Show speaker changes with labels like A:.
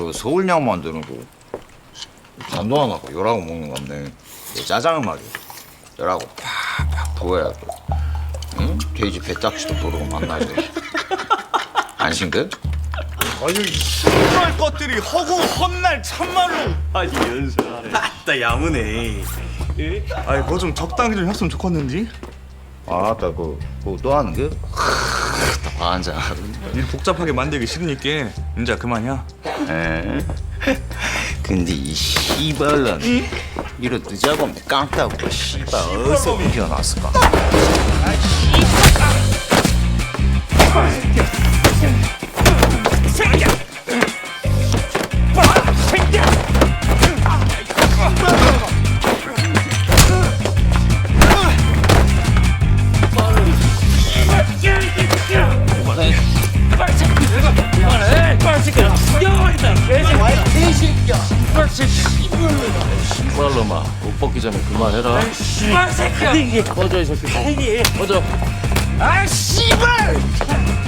A: 그 서울냥 만드는 거 간도 안 하고 열하고 먹는 건데 짜장은 말이야 열하고 팍팍 부어야 또 응? 돼지 배딱지도 부르고 만나지 안 싱긋?
B: 아니 이럴 것들이 허구 헛날 참말로.
C: 아니 연설하네. 아따 야무네. 예?
B: 아니 그거 좀 적당히 좀 했으면 좋겠는지.
A: 아따 그거 또 하는 게? 환장
B: 일 복잡하게 만들기 싫으니까 이제 그만이야.
A: 에? 근데 이 씨발년 이런 늦어보면 깡따고 씨발 어디서 피어났을까?
D: 씨발놈아 옷 벗기 전에 그만해라.
C: 씨발 새끼야.
D: 꺼져 이 새끼. 꺼져.
C: 아 씨발.